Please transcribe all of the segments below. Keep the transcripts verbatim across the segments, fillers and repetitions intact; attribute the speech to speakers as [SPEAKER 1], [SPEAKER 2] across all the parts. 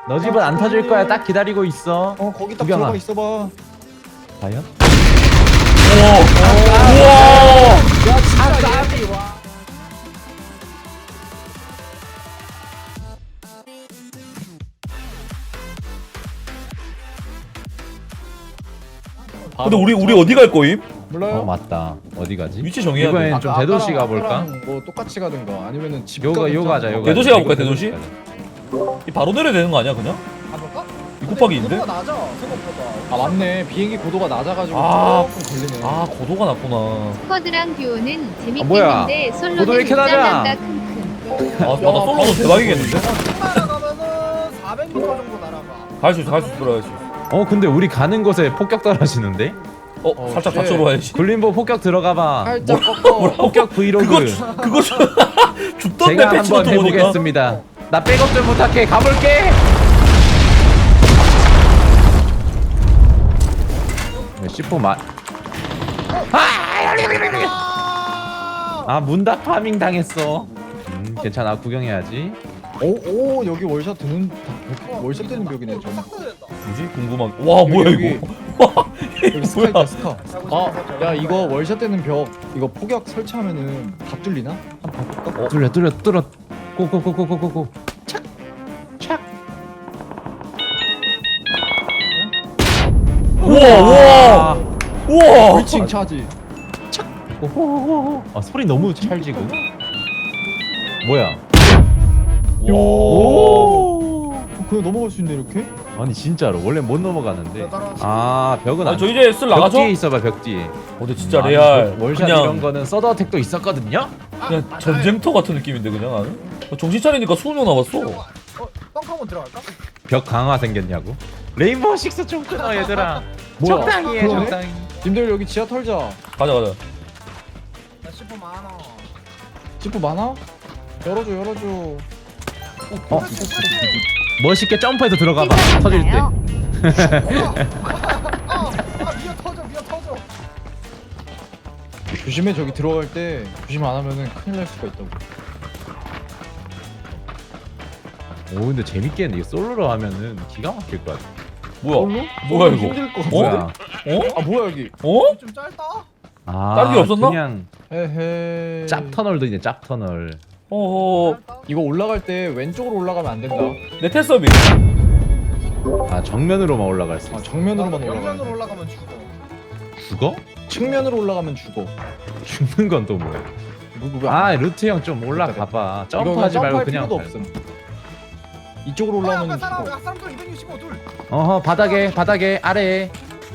[SPEAKER 1] 너 집은 안 터질 거야. 딱 기다리고 있어.
[SPEAKER 2] 어 거기 딱
[SPEAKER 1] 구경아.
[SPEAKER 2] 들어가 있어봐.
[SPEAKER 1] 과연?
[SPEAKER 3] 우와. 우와.
[SPEAKER 2] 야 진짜
[SPEAKER 1] 까비 와.
[SPEAKER 3] 근데 우리 우리 어디 갈 거임?
[SPEAKER 2] 몰라요?
[SPEAKER 1] 어 맞다. 어디 가지?
[SPEAKER 3] 위치 정해야 돼.
[SPEAKER 1] 이번엔 좀 대도시 가볼까?
[SPEAKER 2] 뭐 똑같이 가든가 아니면은 집
[SPEAKER 1] 요가 요가 하자. 요가.
[SPEAKER 3] 대도시 가볼까, 대도시? 이 바로 내려야 되는 거 아니야 그냥?
[SPEAKER 2] 가볼까?
[SPEAKER 3] 이 곱하기인데?
[SPEAKER 2] 고도가 낮아 생각보다. 아 맞네. 비행기 고도가 낮아가지고
[SPEAKER 3] 아.
[SPEAKER 2] 조금 걸리네.
[SPEAKER 3] 아 고도가 낮구나.
[SPEAKER 4] 스쿼드랑 듀오는
[SPEAKER 1] 아, 뭐야?
[SPEAKER 4] 재밌겠는데
[SPEAKER 1] 고도 왜
[SPEAKER 4] 솔로는
[SPEAKER 1] 이렇게 낮아?
[SPEAKER 4] 짠난다 킁킁.
[SPEAKER 3] 아 맞다 솔로도 대박이겠는데?
[SPEAKER 2] 날아가면은 사백 미터 정도 날아가.
[SPEAKER 3] 갈 수 있어 갈 수 있어 들어야지.
[SPEAKER 1] 어 근데 우리 가는 곳에 폭격 떨어지는데?
[SPEAKER 3] 어,
[SPEAKER 2] 어,
[SPEAKER 3] 살짝
[SPEAKER 2] 쉣.
[SPEAKER 3] 받쳐로 와야지.
[SPEAKER 1] 굴림보 폭격 들어가봐.
[SPEAKER 2] 살짝 꺾어.
[SPEAKER 1] 폭격 브이로그.
[SPEAKER 3] 그거 주, 그거 주, 죽던데
[SPEAKER 1] 제가
[SPEAKER 3] 패치
[SPEAKER 1] 한번
[SPEAKER 3] 노트 보니까.
[SPEAKER 1] 해보겠습니다. 나 백업 좀 부탁해. 가볼게. 씨포 마. 아 문다 파밍 당했어. 음 괜찮아 구경해야지.
[SPEAKER 2] 오, 오 여기 월샷 드는 월샷 되는 벽이네 좀.
[SPEAKER 3] 뭐지? 궁금한. 와 뭐야
[SPEAKER 2] 여기,
[SPEAKER 3] 이거? 와
[SPEAKER 2] 여기 스카
[SPEAKER 3] 뭐야?
[SPEAKER 2] 있다 스카. 아야 이거 월샷 되는 벽 이거 폭격 설치하면은 다 뚫리나? 한번 봐볼까?
[SPEAKER 3] 어?
[SPEAKER 1] 뚫려 뚫려 뚫어. 고고고고고고고. 착. 착.
[SPEAKER 3] 우와 우와 우와.
[SPEAKER 2] 불칭 차지.
[SPEAKER 1] 오호호호. 아 소리 너무 찰지고. 뭐야?
[SPEAKER 3] 오.
[SPEAKER 2] 어, 그냥 넘어갈 수 있네 이렇게?
[SPEAKER 1] 아니 진짜로 원래 못 넘어가는데. 아 벽은
[SPEAKER 3] 아
[SPEAKER 1] 안.
[SPEAKER 3] 저 이제 쓸
[SPEAKER 1] 벽
[SPEAKER 3] 나가죠?
[SPEAKER 1] 뒤에 있어봐 벽 뒤에.
[SPEAKER 3] 어 근데 진짜
[SPEAKER 1] 아니,
[SPEAKER 3] 레알.
[SPEAKER 1] 월샷 이런
[SPEAKER 3] 그냥
[SPEAKER 1] 거는 서더 어택도 있었거든요.
[SPEAKER 3] 그냥 전쟁터 같은 느낌인데 그냥 나는. 어, 정신 차리니까 스무 명 남았어.
[SPEAKER 2] 벙커 한번 들어갈까?
[SPEAKER 1] 벽 강화 생겼냐고? 레인보우 식스 좀 끊어 얘들아.
[SPEAKER 2] 뭐야?
[SPEAKER 1] 적당히 해
[SPEAKER 2] 그러네?
[SPEAKER 1] 적당히.
[SPEAKER 2] 님들 여기 지하 털자.
[SPEAKER 3] 가자 가자.
[SPEAKER 2] 나 십 분 많아. 십 분 많아? 열어줘 열어줘.
[SPEAKER 1] 어? 멋있게 점프해서 들어가봐. 터질 때.
[SPEAKER 2] 아 미어 터져 미어 터져. 조심해 저기 들어갈 때 조심 안 하면은 큰일 날 수가 있다고.
[SPEAKER 1] 오 근데 재밌겠네. 이거 솔로로 하면은 기가 막힐 것 같아.
[SPEAKER 3] 뭐야?
[SPEAKER 2] 솔로?
[SPEAKER 3] 뭐야,
[SPEAKER 2] 솔로
[SPEAKER 3] 이거?
[SPEAKER 2] 힘들 것
[SPEAKER 3] 어?
[SPEAKER 2] 같아.
[SPEAKER 1] 뭐야?
[SPEAKER 3] 어?
[SPEAKER 2] 아 뭐야 여기?
[SPEAKER 3] 어?
[SPEAKER 2] 좀 짧다.
[SPEAKER 1] 아,
[SPEAKER 3] 다른 게 없었나?
[SPEAKER 1] 그냥
[SPEAKER 2] 헤헤.
[SPEAKER 1] 짭 터널도 있네. 짭 터널.
[SPEAKER 3] 어어.
[SPEAKER 2] 이거 올라갈 때 왼쪽으로 올라가면 안 된다.
[SPEAKER 3] 내 테스업이.
[SPEAKER 1] 아 정면으로만 올라갈 수
[SPEAKER 2] 아
[SPEAKER 1] 있어.
[SPEAKER 2] 정면으로만 올라가.
[SPEAKER 5] 올라가면 죽어.
[SPEAKER 1] 죽어?
[SPEAKER 2] 측면으로 올라가면 죽어.
[SPEAKER 1] 죽는 건 또 뭐야?
[SPEAKER 2] 누구 왜?
[SPEAKER 1] 아 루트 형 좀 올라가봐. 점프하지 말고 그냥.
[SPEAKER 2] 필요도
[SPEAKER 1] 발-
[SPEAKER 2] 없음. 이쪽으로 올라오면 죽어.
[SPEAKER 5] 사람들 이백육십오 둘.
[SPEAKER 1] 어허 바닥에 바닥에 아래에.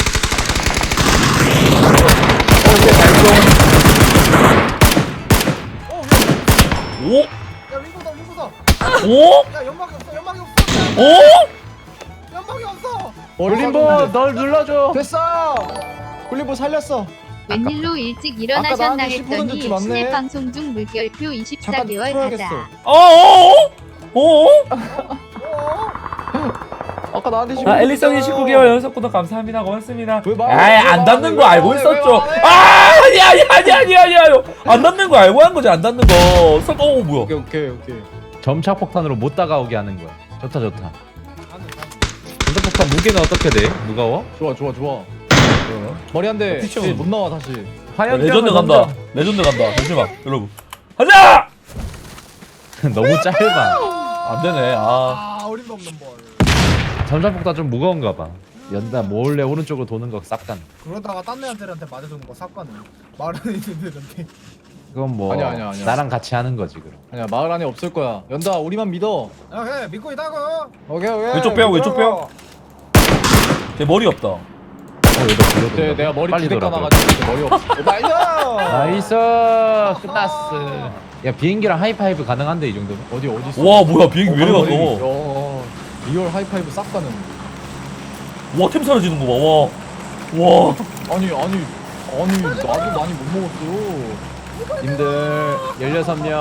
[SPEAKER 3] 오?
[SPEAKER 5] 야 윙고다 윙고다.
[SPEAKER 3] 오?
[SPEAKER 5] 야 연막이 없어 연막이 없어.
[SPEAKER 3] 오?
[SPEAKER 5] 연막이 없어.
[SPEAKER 1] 굴림보 널 눌러줘.
[SPEAKER 2] 됐어. 굴림보 살렸어.
[SPEAKER 4] 웬일로 일찍
[SPEAKER 2] 아까
[SPEAKER 4] 일어나셨나
[SPEAKER 2] 나한테 십 분
[SPEAKER 4] 했더니
[SPEAKER 2] 줬지, 맞네.
[SPEAKER 4] 스냅 방송 중 물결표 이십사
[SPEAKER 2] 잠깐
[SPEAKER 4] 개월
[SPEAKER 2] 풀어야겠어.
[SPEAKER 4] 가자.
[SPEAKER 3] 어어어? 어어?
[SPEAKER 2] 아까 나한테 십
[SPEAKER 3] 아
[SPEAKER 2] 분
[SPEAKER 3] 앨리스님
[SPEAKER 2] 줬잖아.
[SPEAKER 3] 십구 개월 연속 구독 감사합니다. 고맙습니다.
[SPEAKER 2] 왜 말-
[SPEAKER 3] 아이
[SPEAKER 2] 왜
[SPEAKER 3] 안
[SPEAKER 2] 말-
[SPEAKER 3] 닿는
[SPEAKER 2] 왜
[SPEAKER 3] 거
[SPEAKER 2] 말-
[SPEAKER 3] 알고
[SPEAKER 2] 왜
[SPEAKER 3] 있었죠.
[SPEAKER 2] 말- 왜
[SPEAKER 3] 아 아니 아니 아니 아니 아니 아니 안 닿는 거 알고 한 거지 안 닿는 거. 설- 어 뭐야?
[SPEAKER 2] 오케이 오케이 오케이.
[SPEAKER 1] 점착 폭탄으로 못 다가오게 하는 거야. 좋다 좋다. 점착 폭탄 무게는 어떻게 돼? 무거워?
[SPEAKER 2] 좋아 좋아 좋아. 머리 한 대.
[SPEAKER 3] 피쳐.
[SPEAKER 2] 못 나와 다시.
[SPEAKER 1] 화염병을
[SPEAKER 3] 레전드 간다.
[SPEAKER 1] 던져.
[SPEAKER 3] 레전드 간다. 잠시만 여러분. 가자.
[SPEAKER 1] 너무 짧아.
[SPEAKER 3] 안 되네. 아.
[SPEAKER 5] 아 어림도 없는 볼.
[SPEAKER 1] 점착 폭탄 좀 무거운가 봐. 연다 몰래 오른쪽으로 도는 거 쌉간.
[SPEAKER 5] 그러다가 딴 애한테한테 맞아주는 거 삭가는. 말은 있는데 이렇게.
[SPEAKER 1] 그건 뭐
[SPEAKER 2] 아니야, 아니야, 아니야.
[SPEAKER 1] 나랑 같이 하는 거지 그럼.
[SPEAKER 2] 아니야 마을 안에 없을 거야. 연다 우리만 믿어.
[SPEAKER 5] 야 그래 믿고 있다고.
[SPEAKER 2] 오케이 오케이.
[SPEAKER 3] 왼쪽 빼고 왼쪽 빼고. 제 머리 없다.
[SPEAKER 1] 어 얘도
[SPEAKER 2] 네,
[SPEAKER 1] 불러.
[SPEAKER 2] 내가 머리
[SPEAKER 1] 빨리
[SPEAKER 2] 두대
[SPEAKER 1] 돌아.
[SPEAKER 2] 까놔가지고 머리 없어. 나이스.
[SPEAKER 1] 나이스 끝났어. 야 비행기랑 하이파이브 가능한데 이 정도면?
[SPEAKER 2] 어디 어디 있어?
[SPEAKER 3] 와 뭐야 비행기 왜 이래 갔어?
[SPEAKER 2] 야, 리얼 하이파이브 싹 가는.
[SPEAKER 3] 와템 사라지는 거 봐. 와. 와.
[SPEAKER 2] 아니 아니 아니 나도 많이 못 먹었어.
[SPEAKER 1] 님들 열여섯 명.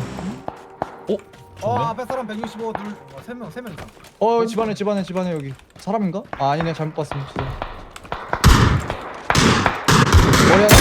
[SPEAKER 5] 어 앞에 사람 백육십오 둘. 어, 세 명 세 명 이상.
[SPEAKER 2] 어 집안에 집안에 집안에 여기 사람인가? 아 아니네 잘못 봤습니다. 머리 한 대.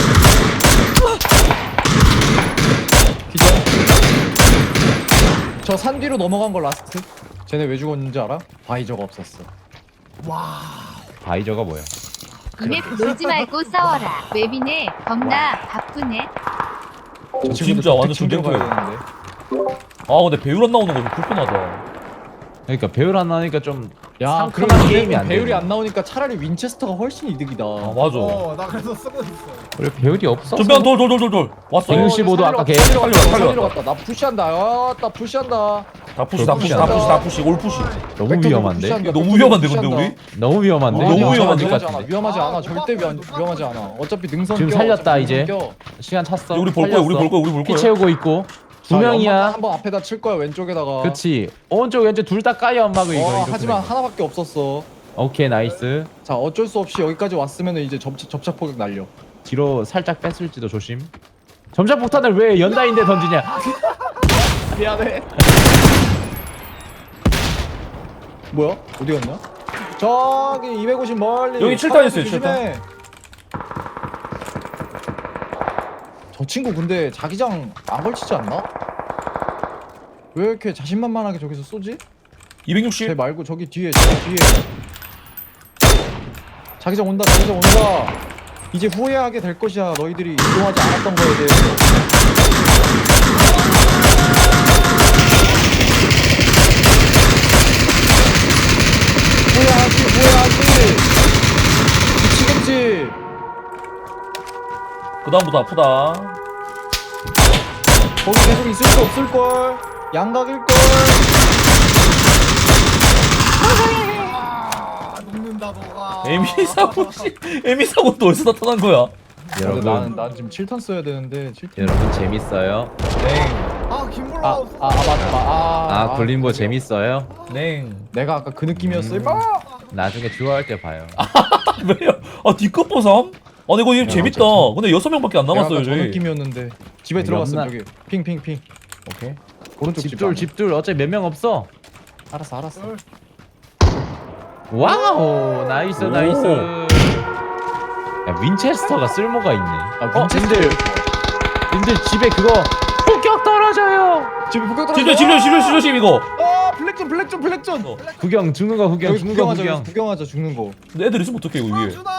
[SPEAKER 2] 기절. 저 산 뒤로 넘어간 거 라스트. 쟤네 왜 죽었는지 알아? 바이저가 없었어.
[SPEAKER 5] 와.
[SPEAKER 1] 바이저가 뭐야?
[SPEAKER 4] 이맵 놀지 말고 싸워라. 웹이네. 겁나 바쁘네.
[SPEAKER 2] 저
[SPEAKER 3] 진짜
[SPEAKER 2] 친구들
[SPEAKER 3] 완전
[SPEAKER 2] 챙겨 가야
[SPEAKER 3] 존댓말.
[SPEAKER 2] 되는데.
[SPEAKER 3] 아 근데 배율 안 나오는 거 좀 불편하다.
[SPEAKER 1] 그러니까 배율 안 나니까 좀
[SPEAKER 2] 야,
[SPEAKER 1] 상큼한
[SPEAKER 2] 그리고
[SPEAKER 1] 게임이 안
[SPEAKER 2] 배율이
[SPEAKER 1] 되네.
[SPEAKER 2] 안 나오니까 차라리 윈체스터가 훨씬 이득이다.
[SPEAKER 3] 아 맞아.
[SPEAKER 5] 어, 나 그래서 쓰고 있어.
[SPEAKER 1] 그래 배율이 없어.
[SPEAKER 3] 전면 돌돌돌돌돌 왔어.
[SPEAKER 1] 어, 일십오도 아까 걔
[SPEAKER 2] 살리러 갔다.
[SPEAKER 3] 살려,
[SPEAKER 2] 살리러 갔다. 나 푸시한다. 아, 나 푸시한다.
[SPEAKER 3] 다 푸시 다 푸시 다 푸시 다 푸시 올 푸시.
[SPEAKER 1] 너무
[SPEAKER 2] 벡터도
[SPEAKER 1] 위험한데?
[SPEAKER 2] 푸시한다.
[SPEAKER 3] 이거 너무 위험한데 근데 우리?
[SPEAKER 1] 너무 위험한데?
[SPEAKER 3] 어, 너무
[SPEAKER 1] 이거
[SPEAKER 3] 위험한데?
[SPEAKER 1] 아닐 것
[SPEAKER 2] 위험하지 않아.
[SPEAKER 1] 같은데?
[SPEAKER 2] 위험하지 않아.
[SPEAKER 5] 아,
[SPEAKER 2] 절대
[SPEAKER 5] 오빠,
[SPEAKER 2] 위험,
[SPEAKER 5] 오빠,
[SPEAKER 2] 위험하지
[SPEAKER 5] 오빠.
[SPEAKER 2] 않아. 어차피 능선
[SPEAKER 1] 지금
[SPEAKER 2] 껴,
[SPEAKER 1] 살렸다,
[SPEAKER 2] 어차피
[SPEAKER 1] 이제.
[SPEAKER 2] 능선 껴.
[SPEAKER 1] 시간 찼어.
[SPEAKER 3] 우리 볼 거야 우리 볼 거야 우리 볼
[SPEAKER 1] 피
[SPEAKER 3] 거야.
[SPEAKER 1] 채우고 있고 두
[SPEAKER 2] 자,
[SPEAKER 1] 명이야.
[SPEAKER 2] 연막 한번 앞에다 칠 거야 왼쪽에다가.
[SPEAKER 1] 그치. 오른쪽 왼쪽 둘 다 까여 엄마가 이거.
[SPEAKER 2] 어,
[SPEAKER 1] 이렇게
[SPEAKER 2] 하지만
[SPEAKER 1] 보내.
[SPEAKER 2] 하나밖에 없었어.
[SPEAKER 1] 오케이 나이스.
[SPEAKER 2] 자, 어쩔 수 없이 여기까지 왔으면 이제 접, 접착 포격 날려.
[SPEAKER 1] 뒤로 살짝 뺐을지도 조심. 점착 폭탄을 왜 연다인데 던지냐?
[SPEAKER 2] 미안해. 뭐야? 어디 갔냐? 저기 이백오십 멀리.
[SPEAKER 3] 여기 칠탄 있어요,
[SPEAKER 2] 조심해. 저 친구 근데 자기장 안 걸치지 않나? 왜 이렇게 자신만만하게 저기서 쏘지? 쟤
[SPEAKER 3] 이백육십.
[SPEAKER 2] 말고 저기 뒤에 저기 뒤에 자기장 온다 자기장 온다. 이제 후회하게 될 것이야 너희들이 이동하지 않았던 거에 대해서. 후회하지 후회하지. 미치겠지.
[SPEAKER 3] 그다음부터 아프다.
[SPEAKER 2] 거기 계속 있을 수 없을걸. 양각일걸.
[SPEAKER 5] 아, 녹는다 너가.
[SPEAKER 3] 에미 사고 씨. 에미 사고 또 어디서 나타난 거야?
[SPEAKER 1] 여러분,
[SPEAKER 2] 나는 난 지금 칠 탄 써야 되는데 칠 탄.
[SPEAKER 1] 여러분 재밌어요?
[SPEAKER 5] 아, 김블라
[SPEAKER 2] 아,
[SPEAKER 5] 없어.
[SPEAKER 2] 아, 아 맞다. 아,
[SPEAKER 1] 아 굴림보
[SPEAKER 2] 그러게요.
[SPEAKER 1] 재밌어요?
[SPEAKER 3] 냉.
[SPEAKER 2] 내가 아까 그 느낌이었어.
[SPEAKER 1] 음.
[SPEAKER 2] 임마.
[SPEAKER 1] 나중에 주화할 때 봐요.
[SPEAKER 3] 왜요? 아 뒷컷 보삼? 아니 이거
[SPEAKER 1] 야,
[SPEAKER 3] 재밌다.
[SPEAKER 1] 어쨌든.
[SPEAKER 3] 근데 여섯 명밖에 안
[SPEAKER 2] 내가
[SPEAKER 3] 남았어요
[SPEAKER 2] 아까 저
[SPEAKER 3] 저희.
[SPEAKER 2] 느낌이었는데 집에
[SPEAKER 1] 여기
[SPEAKER 2] 들어갔어
[SPEAKER 1] 없나?
[SPEAKER 2] 저기. 핑핑핑.
[SPEAKER 1] 오케이.
[SPEAKER 2] 오른쪽 집.
[SPEAKER 1] 집둘
[SPEAKER 2] 안에.
[SPEAKER 1] 집둘 어차피 몇 명 없어.
[SPEAKER 2] 알았어 알았어.
[SPEAKER 1] 와우 나이스
[SPEAKER 3] 오.
[SPEAKER 1] 나이스. 야 윈체스터가 쓸모가 있네.
[SPEAKER 2] 아,
[SPEAKER 1] 어
[SPEAKER 2] 윈체스터.
[SPEAKER 1] 님들 님들 집에 그거 폭격 떨어져요.
[SPEAKER 2] 집에 북극 떨어져.
[SPEAKER 3] 집중 집중 집중 집중 집중 이거.
[SPEAKER 2] 아 블랙존 블랙존 블랙존.
[SPEAKER 3] 어.
[SPEAKER 1] 구경 죽는 거 구경
[SPEAKER 2] 여기
[SPEAKER 1] 죽는 거
[SPEAKER 2] 구경하자
[SPEAKER 1] 구경.
[SPEAKER 2] 여기 구경하자 죽는 거.
[SPEAKER 3] 근데 애들 있으면 어떡해 이거 위에.
[SPEAKER 5] 주다.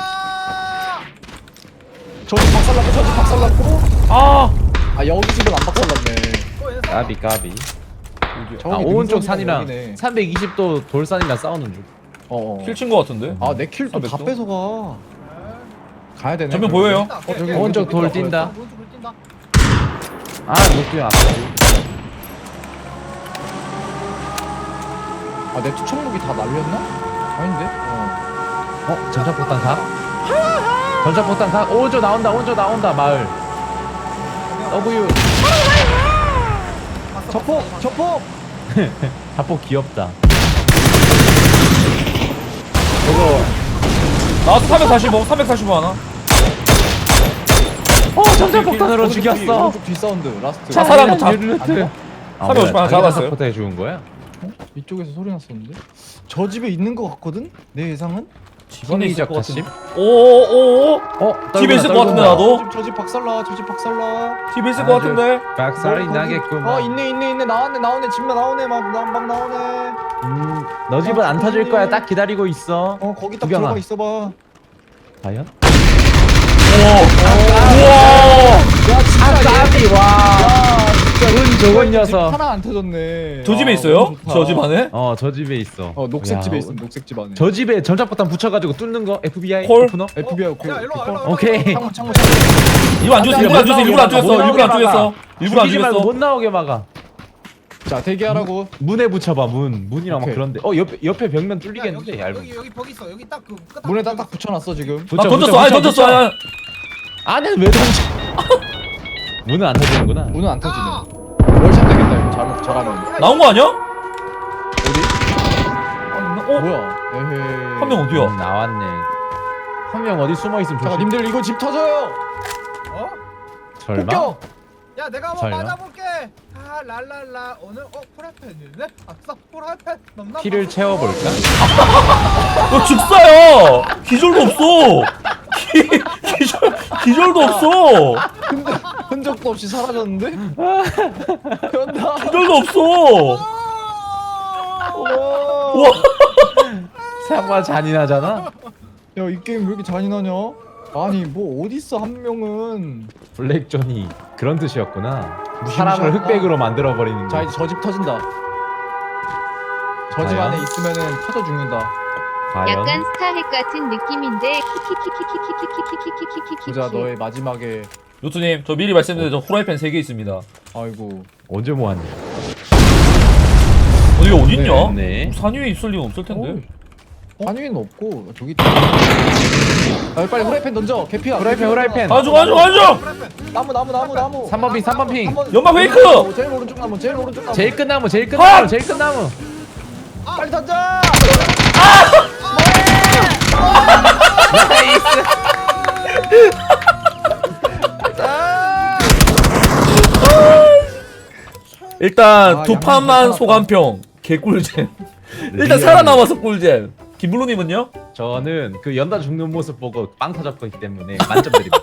[SPEAKER 2] 저기 박살났고 저기 박살났고.
[SPEAKER 3] 아.
[SPEAKER 2] 아 여기 집은 안 박살났네.
[SPEAKER 1] 까비 까비.
[SPEAKER 2] 저기
[SPEAKER 1] 아 오른쪽
[SPEAKER 2] 능선이랑
[SPEAKER 1] 산이랑
[SPEAKER 2] 여기네.
[SPEAKER 1] 삼백이십 도 돌산이랑 싸우는 중.
[SPEAKER 2] 어. 어.
[SPEAKER 3] 킬친 거 같은데?
[SPEAKER 2] 아내 킬 또 다
[SPEAKER 3] 삼백 도?
[SPEAKER 2] 뺏어가. 가야 되네.
[SPEAKER 3] 전면
[SPEAKER 2] 그러면.
[SPEAKER 3] 보여요?
[SPEAKER 2] 어, 저기
[SPEAKER 1] 오른쪽 돌
[SPEAKER 2] 보인다,
[SPEAKER 1] 뛴다.
[SPEAKER 5] 오른쪽으로 뛴다.
[SPEAKER 1] 아 목표야 아파.
[SPEAKER 2] 아, 내 투척목이 다 날렸나? 아닌데? 어.
[SPEAKER 1] 어 전차폭탄 각? 전차폭탄 각? 오른쪽 나온다 오른쪽 나온다 마을. W
[SPEAKER 2] 저폭! 저폭!
[SPEAKER 1] 자폭 귀엽다.
[SPEAKER 3] 저거 나와서 삼백사십오 삼백사십오 하나.
[SPEAKER 1] 어 전차폭탄으로
[SPEAKER 2] 오른쪽 뒤,
[SPEAKER 1] 죽였어.
[SPEAKER 2] 오른쪽 뒤 사운드, 라스트.
[SPEAKER 3] 자, 사람 다-
[SPEAKER 1] 르르트. 아,
[SPEAKER 3] 삼백오십 하나 잡았어요.
[SPEAKER 1] 포탄에 죽은 거야?
[SPEAKER 2] 이쪽에서 소리 났었는데? 저 집에 있는 거 같거든? 내 예상은?
[SPEAKER 3] 집안에 있을 것
[SPEAKER 1] 다심?
[SPEAKER 3] 같은데. 오오오.
[SPEAKER 1] 어
[SPEAKER 3] 집에 있을 것 같은데,
[SPEAKER 1] 떨구나.
[SPEAKER 3] 나도?
[SPEAKER 2] 저 집, 저 집 박살나, 저 집 박살나.
[SPEAKER 3] 집에 있을 것
[SPEAKER 1] 아주
[SPEAKER 3] 같은데.
[SPEAKER 1] 박살이
[SPEAKER 2] 거기-
[SPEAKER 1] 나겠구만.
[SPEAKER 2] 어, 있네, 있네, 있네. 나왔네, 나오네. 집만 나오네. 막, 나, 막 나오네.
[SPEAKER 1] 음, 너 집은 안 터질 거야. 딱 기다리고 있어.
[SPEAKER 2] 어, 거기 딱
[SPEAKER 1] 구경아.
[SPEAKER 2] 들어가 있어봐.
[SPEAKER 1] 과연?
[SPEAKER 3] 우와.
[SPEAKER 2] 야, 진짜.
[SPEAKER 1] 아, 까비 와.
[SPEAKER 2] 야,
[SPEAKER 1] 진짜 운
[SPEAKER 2] 집
[SPEAKER 1] 좋은 녀석.
[SPEAKER 2] 하나 안 터졌네.
[SPEAKER 3] 저 집에
[SPEAKER 2] 아,
[SPEAKER 3] 있어요?
[SPEAKER 2] 너무 좋다.
[SPEAKER 3] 저 집 안에?
[SPEAKER 1] 어, 저 집에 있어.
[SPEAKER 2] 어, 녹색
[SPEAKER 1] 야,
[SPEAKER 2] 집에 있어. 녹색 집 안에.
[SPEAKER 1] 저 집에 전차폭탄 붙여가지고 뚫는 거 에프비아이
[SPEAKER 3] 콜?
[SPEAKER 1] 오프너?
[SPEAKER 2] 에프비아이 오케이.
[SPEAKER 5] 야, 일로 와,
[SPEAKER 2] 오케이.
[SPEAKER 5] 일로 와.
[SPEAKER 1] 오케이.
[SPEAKER 2] 창문, 창문, 창문.
[SPEAKER 3] 일부러 안 죽였어. 일부러 안 죽였어. 일부러 안 죽였어.
[SPEAKER 1] 못
[SPEAKER 3] 일부러 안
[SPEAKER 1] 나오게
[SPEAKER 3] 죽였어.
[SPEAKER 1] 막아.
[SPEAKER 3] 일부러 안
[SPEAKER 1] 죽이지 말고
[SPEAKER 3] 죽였어.
[SPEAKER 1] 못 나오게 막아.
[SPEAKER 2] 자, 대기하라고.
[SPEAKER 1] 문에 붙여봐 문. 문이랑 막
[SPEAKER 2] 오케이.
[SPEAKER 1] 그런데. 어 옆에 옆에 벽면
[SPEAKER 5] 야, 여기
[SPEAKER 1] 뚫리겠는데 얇은.
[SPEAKER 5] 여기 여기 벽 있어. 여기 딱그
[SPEAKER 2] 문에다 딱 붙여놨어 지금.
[SPEAKER 3] 아 던졌어. 아니 던졌어. 아니, 아니.
[SPEAKER 1] 안에 왜 던져? 문은 안 터지는구나.
[SPEAKER 2] 문은 안 터지네. 월샷 되겠다 이거 잘 잘하면.
[SPEAKER 3] 나온 거 아니야?
[SPEAKER 2] 어디?
[SPEAKER 3] 어?
[SPEAKER 2] 뭐야? 에헤이.
[SPEAKER 3] 한 명 어디야?
[SPEAKER 1] 음, 나왔네. 한 명 어디 숨어 있으면
[SPEAKER 2] 잠깐
[SPEAKER 1] 조심.
[SPEAKER 2] 님들 이거 집 터져요.
[SPEAKER 5] 어?
[SPEAKER 1] 설마?
[SPEAKER 2] 폭격.
[SPEAKER 5] 야, 내가 한번
[SPEAKER 1] 설마?
[SPEAKER 5] 맞아볼게. 아, 랄랄라. 오늘 어 프라이팬이네. 아싸, 프라이팬. 넘나.
[SPEAKER 1] 피를 채워볼까?
[SPEAKER 3] 너 즉사야. 기절도 없어. 기, 기절 기절도 없어.
[SPEAKER 2] 근데 근데 흔적도 없이 사라졌는데? 연다.
[SPEAKER 3] 기절도 없어.
[SPEAKER 2] 와.
[SPEAKER 3] 와.
[SPEAKER 1] 생각보다 잔인하잖아.
[SPEAKER 2] 야, 이 게임 왜 이렇게 잔인하냐? 아니, 뭐 어딨어 한 명은.
[SPEAKER 1] 블랙존이 그런 뜻이었구나.
[SPEAKER 2] 무시무시하다.
[SPEAKER 1] 사람을 흑백으로 만들어 버리는
[SPEAKER 2] 자,
[SPEAKER 1] 거.
[SPEAKER 2] 이제 저 집 터진다. 저 집
[SPEAKER 1] 과연?
[SPEAKER 2] 안에 있으면은 터져 죽는다.
[SPEAKER 1] 과연
[SPEAKER 4] 약간 스타핵 같은 느낌인데 키키키키키키키키키키키키키키키.
[SPEAKER 2] 보자, 너의 마지막에.
[SPEAKER 3] 요트님 저 미리 말씀드려요. 저 후라이팬 세 개 있습니다.
[SPEAKER 2] 아이고.
[SPEAKER 1] 언제 모았냐?
[SPEAKER 3] 어디가 어딨냐?
[SPEAKER 1] 네.
[SPEAKER 3] 산 위에 있을 리가 없을 텐데.
[SPEAKER 2] 한위는 없고 저기 있다. 아, 빨리 후라이팬 던져. 개피야.
[SPEAKER 1] 후라이팬,
[SPEAKER 2] 개피야.
[SPEAKER 1] 후라이팬.
[SPEAKER 3] 가져 가져 가져.
[SPEAKER 2] 나무 나무 나무 나무.
[SPEAKER 1] 삼 번 핑, 삼 번 핑.
[SPEAKER 2] 한 번-
[SPEAKER 3] 연막 페이크!
[SPEAKER 2] 나무, 제일 오른쪽 나무, 제일 오른쪽 나무.
[SPEAKER 1] 제일 끝나무, 제일
[SPEAKER 3] 컷!
[SPEAKER 1] 끝나무, 제일 끝나무.
[SPEAKER 2] 빨리 던져.
[SPEAKER 3] 일단
[SPEAKER 2] 아,
[SPEAKER 3] 두
[SPEAKER 2] 양말
[SPEAKER 3] 판만
[SPEAKER 2] 괜찮았다.
[SPEAKER 3] 소감평 개꿀잼. 일단
[SPEAKER 1] 리얼.
[SPEAKER 3] 살아남아서 꿀잼. 김블루님은요?
[SPEAKER 1] 저는 그 연다 죽는 모습 보고 빵 터졌기 때문에 만점 드립니다.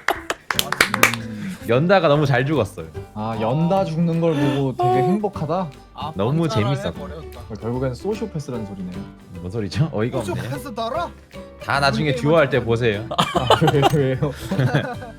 [SPEAKER 1] 연다가 너무 잘 죽었어요.
[SPEAKER 2] 아, 연다 죽는 걸 보고 되게 행복하다.
[SPEAKER 5] 아,
[SPEAKER 1] 너무
[SPEAKER 5] 반사를
[SPEAKER 1] 재밌었다.
[SPEAKER 5] 해버렸다.
[SPEAKER 2] 결국엔 소시오패스라는 소리네.
[SPEAKER 1] 뭔 소리죠? 어이가
[SPEAKER 5] 좀
[SPEAKER 1] 없네.
[SPEAKER 5] 패스 달아?
[SPEAKER 1] 다 나중에 듀오 할 때 보세요.
[SPEAKER 2] 아, 왜, 왜요?